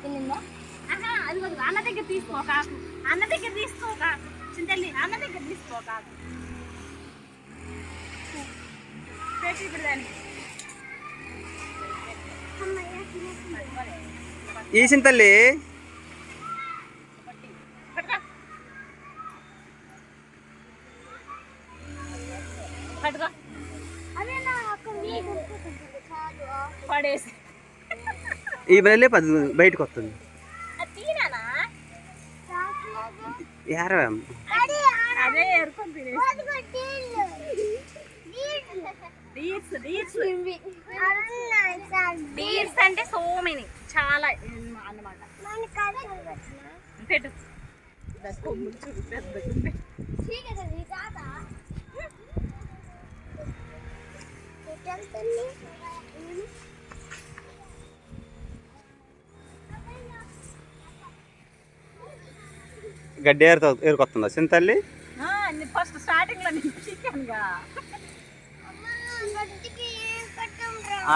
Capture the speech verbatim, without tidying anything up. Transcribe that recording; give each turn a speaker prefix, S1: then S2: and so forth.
S1: అది అన్న దగ్గర తీసుకో కాకు, అన్న దగ్గర తీసుకో కాకు, చింతల్లి అన్న దగ్గర తీసుకో కాకు పెట్టి ఇప్పుడు దానికి
S2: ఈ చింతల్లి
S1: పడేసి
S2: ఈ బయలే పది బయటకు వస్తుంది యారా
S1: అదే ఎరుకొని డీర్స్ డీర్స్ డీర్స్ అంటే సో మెనీ చాలా అన్నమాట. పెట్టు కొమ్ములు చూడు పెద్దగా
S2: గడ్డి ఏరుతో ఏరుకొస్తుందా చింతల్లి?
S1: ఫస్ట్ స్టార్టింగ్ లో చికెన్ గా